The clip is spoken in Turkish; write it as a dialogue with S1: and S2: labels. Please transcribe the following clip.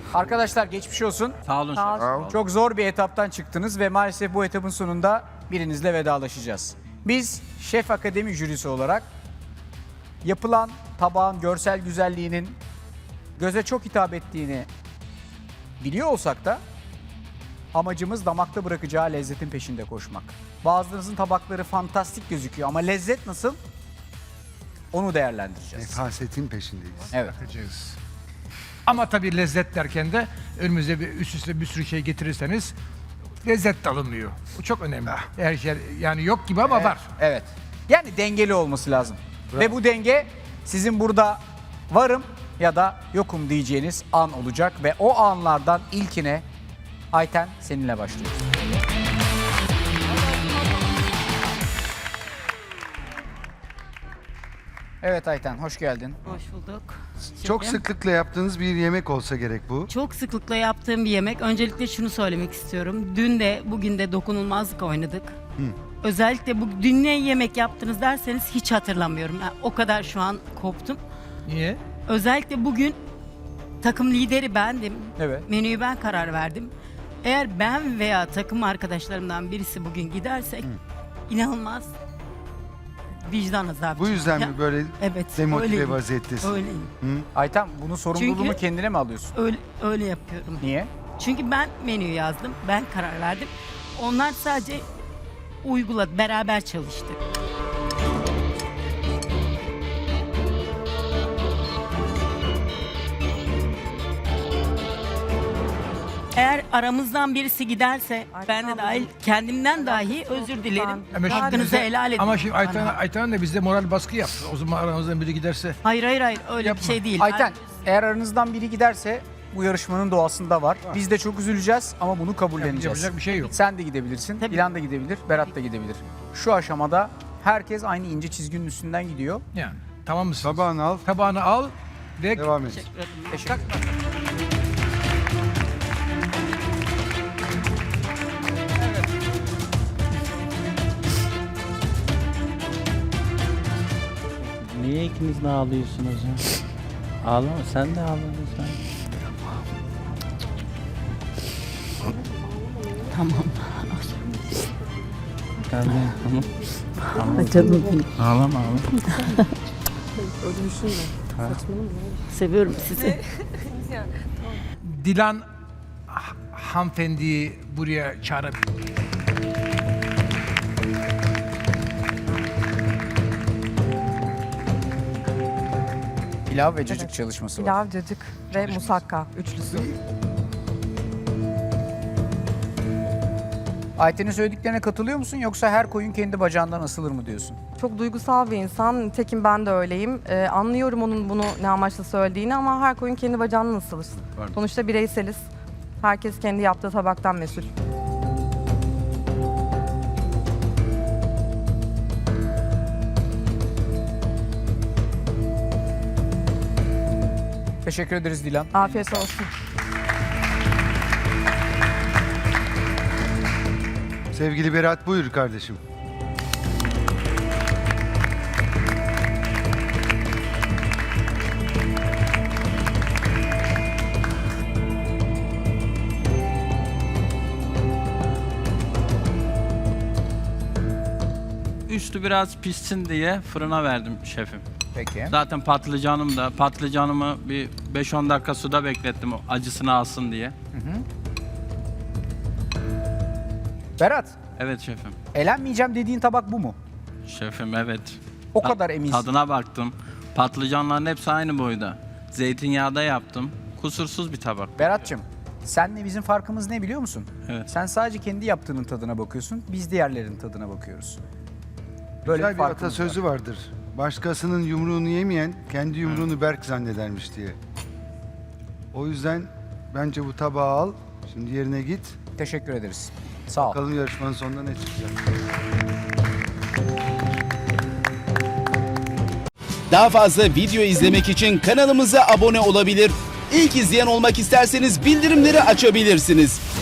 S1: Arkadaşlar geçmiş olsun.
S2: Sağ olun.
S1: Çok zor bir etaptan çıktınız ve maalesef bu etapın sonunda birinizle vedalaşacağız. Biz Şef Akademi jürisi olarak yapılan tabağın görsel güzelliğinin göze çok hitap ettiğini biliyor olsak da amacımız damakta bırakacağı lezzetin peşinde koşmak. Bazılarınızın tabakları fantastik gözüküyor ama lezzet nasıl? Onu değerlendireceğiz.
S3: Nefasetin peşindeyiz.
S1: Evet.
S4: Bakacağız. Ama tabii lezzet derken de önümüze bir üst üste bir sürü şey getirirseniz lezzet de alınmıyor. Bu çok önemli. Her şey yani yok gibi ama var.
S1: Evet. Yani dengeli olması lazım. Ve bu denge sizin burada varım ya da yokum diyeceğiniz an olacak ve o anlardan ilkine Ayten seninle başlıyoruz. Evet Ayten hoş geldin.
S5: Hoş bulduk.
S3: Çok
S5: Şefim.
S3: sıklıkla yaptığınız bir yemek olsa gerek bu.
S5: Çok sıklıkla yaptığım bir yemek. Öncelikle şunu söylemek istiyorum. Dün de bugün de dokunulmazlık oynadık. Özellikle bu dün ne yemek yaptınız derseniz hiç hatırlamıyorum. Yani o kadar şu an koptum.
S4: Niye?
S5: Özellikle bugün takım lideri bendim.
S1: Evet.
S5: Menüyü ben karar verdim. Eğer ben veya takım arkadaşlarımdan birisi bugün gidersek inanılmaz vicdan azabı.
S3: Bu yüzden
S5: Ya,
S3: mi böyle
S5: evet,
S3: demotive
S5: öyleyim.
S3: vaziyettesin?
S5: Öyleyim.
S1: Ayten bunun sorumluluğunu
S5: Çünkü-
S1: kendine mi alıyorsun?
S5: Öyle yapıyorum.
S1: Niye?
S5: Çünkü ben menüyü yazdım, ben karar verdim. Onlar sadece uyguladı, beraber çalıştık. Eğer aramızdan birisi giderse, ben de dahil, kendimden dahi özür dilerim.
S4: Ama şimdi
S5: Hakkınızı
S4: bize-
S5: helal edin.
S4: Ama şimdi Ayten de bize moral baskı yaptı. O zaman aramızdan biri giderse
S5: Hayır, öyle
S4: Yapma.
S5: bir şey değil.
S1: Ayten eğer aranızdan biri giderse bu yarışmanın doğasında var. Biz de çok üzüleceğiz ama bunu kabulleneceğiz.
S4: yapacak bir şey yok.
S1: Sen de gidebilirsin,
S5: Tabii.
S1: İlhan da gidebilir, Berat da gidebilir. Şu aşamada herkes aynı ince çizginin üstünden gidiyor.
S4: Yani tamam mısın?
S3: Tabağını al,
S4: Tabağını al ve
S3: devam et.
S5: Teşekkür ederim.
S1: Teşekkür ederim.
S2: Niye ikiniz de ağlıyorsunuz ya? Ağlama, sen de ağladın sen.
S5: Tamam.
S2: Kardeşim, tamam.
S5: Canım benim.
S2: Ağlama, ağlama.
S5: Seviyorum sizi.
S4: Dilan hanımefendiyi buraya çağırıp
S1: Pilav ve cacık çalışması var.
S6: Pilav, cacık ve musakka üçlüsü.
S1: Ayten'in söylediklerine katılıyor musun yoksa her koyun kendi bacağından asılır mı diyorsun?
S6: Çok duygusal bir insan. Nitekim ben de öyleyim. Anlıyorum onun bunu ne amaçla söylediğini ama her koyun kendi bacağından asılır.
S3: Pardon.
S6: Sonuçta bireyseliz. Herkes kendi yaptığı tabaktan mesul.
S1: Teşekkür ederiz Dilan.
S6: Afiyet olsun.
S3: Sevgili Berat buyur kardeşim.
S2: Üstü biraz pişsin diye fırına verdim şefim.
S1: Peki.
S2: Zaten patlıcanımı bir 5-10 dakika suda beklettim o acısını alsın diye.
S1: Berat,
S2: Evet şefim.
S1: elenmeyeceğim dediğin tabak bu mu?
S2: Şefim evet.
S1: O kadar eminsin.
S2: Tadına baktım. Patlıcanların hepsi aynı boyda. Zeytinyağda yaptım. Kusursuz bir tabak.
S1: Berat'cığım, senle bizim farkımız ne biliyor musun?
S2: Evet.
S1: Sen sadece kendi yaptığının tadına bakıyorsun, biz diğerlerinin tadına bakıyoruz. Böyle
S3: Güzel bir
S1: farkımız
S3: atasözü
S1: var.
S3: vardır. Başkasının yumruğunu yemeyen kendi yumruğunu berk zannedermiş diye. O yüzden bence bu tabağı al. Şimdi yerine git.
S1: Teşekkür ederiz. Sağ ol.
S3: Bakalım yarışmanın sonunda ne çıkacak.
S7: Daha fazla video izlemek için kanalımıza abone olabilir. İlk izleyen olmak isterseniz bildirimleri açabilirsiniz.